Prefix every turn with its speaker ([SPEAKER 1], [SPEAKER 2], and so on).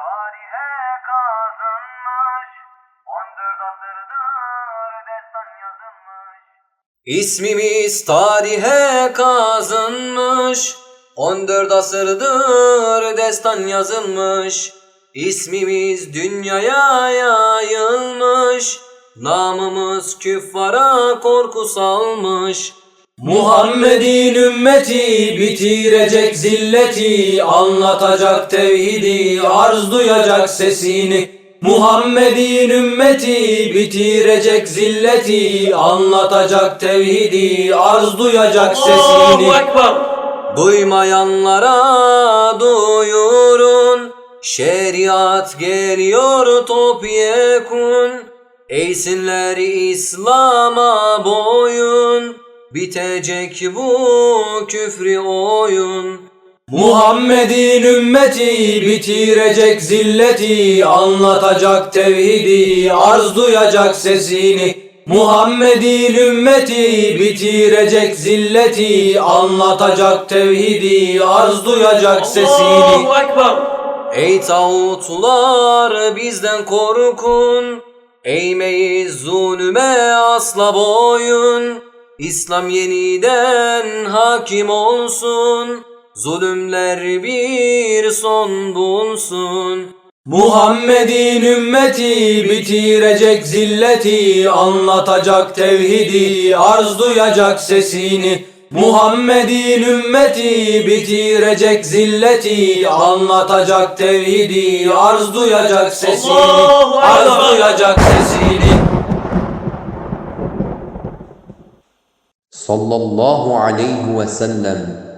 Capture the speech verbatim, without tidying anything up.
[SPEAKER 1] tarihe kazınmış, on dört asırdır destan yazılmış. İsmimiz tarihe kazınmış, on dört asırdır destan yazılmış. İsmimiz dünyaya yayılmış, namımız küffara korku salmış. Muhammed'in ümmeti bitirecek zilleti, anlatacak tevhidi, arz duyacak sesini. Muhammed'in ümmeti bitirecek zilleti, anlatacak tevhidi, arz duyacak sesini. Duymayanlara duyurun, şeriat geliyor topyekun. Eğsinler İslam'a boyun, bitecek bu küfrü oyun. Muhammed'in ümmeti bitirecek zilleti, anlatacak tevhidi, arz duyacak sesini. Muhammed'in ümmeti bitirecek zilleti, anlatacak tevhidi, arz duyacak sesini. Ey tağutlar bizden korkun, eğmeyiz zulüme asla boyun. İslam yeniden hakim olsun, zulümler bir son bulsun. Muhammed'in ümmeti bitirecek zilleti, anlatacak tevhidi, arz duyacak sesini. Muhammed'in ümmeti bitirecek zilleti, anlatacak tevhidi, arz duyacak sesini. Arz duyacak sesini.
[SPEAKER 2] Sallallahu aleyhi ve sellem.